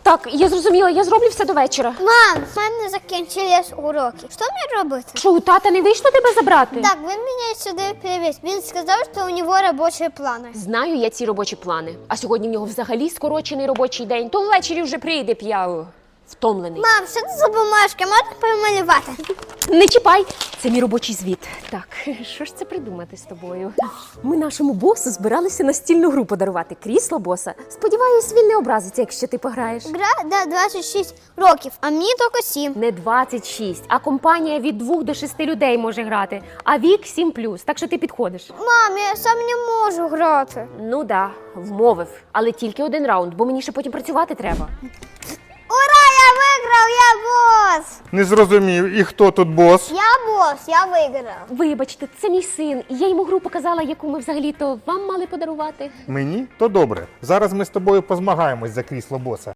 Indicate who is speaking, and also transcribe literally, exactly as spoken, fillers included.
Speaker 1: Так, я зрозуміла, я зроблю все до вечора.
Speaker 2: Мам, в мене закінчились уроки. Що мені робити?
Speaker 1: Що, у тата не вийшло тебе забрати?
Speaker 2: Так, він мене сюди привіз. Він сказав, що у нього робочі плани.
Speaker 1: Знаю я ці робочі плани. А сьогодні в нього взагалі скорочений робочий день. То ввечері вже прийде п'яв. Втомлений.
Speaker 2: Мам, що це за бумажки? Можна помалювати?
Speaker 1: Не чіпай! Це мій робочий звіт. Так, що ж це придумати з тобою? Ми нашому босу збиралися настільну гру подарувати. Крісло боса. Сподіваюсь, він не образиться, якщо ти пограєш.
Speaker 2: Гра до двадцять шість років, а мені тільки сім.
Speaker 1: Не двадцять шість, а компанія від двох до шести людей може грати. А вік сім плюс, так що ти підходиш.
Speaker 2: Мам, я сам не можу грати.
Speaker 1: Ну да, вмовив. Але тільки один раунд, бо мені ще потім працювати треба.
Speaker 2: Ура, я виграв, я бос!
Speaker 3: Не зрозумів, і хто тут бос?
Speaker 2: Я бос, я виграв.
Speaker 1: Вибачте, це мій син. І я йому гру показала, яку ми взагалі-то вам мали подарувати.
Speaker 3: Мені? То добре. Зараз ми з тобою позмагаємось за крісло боса.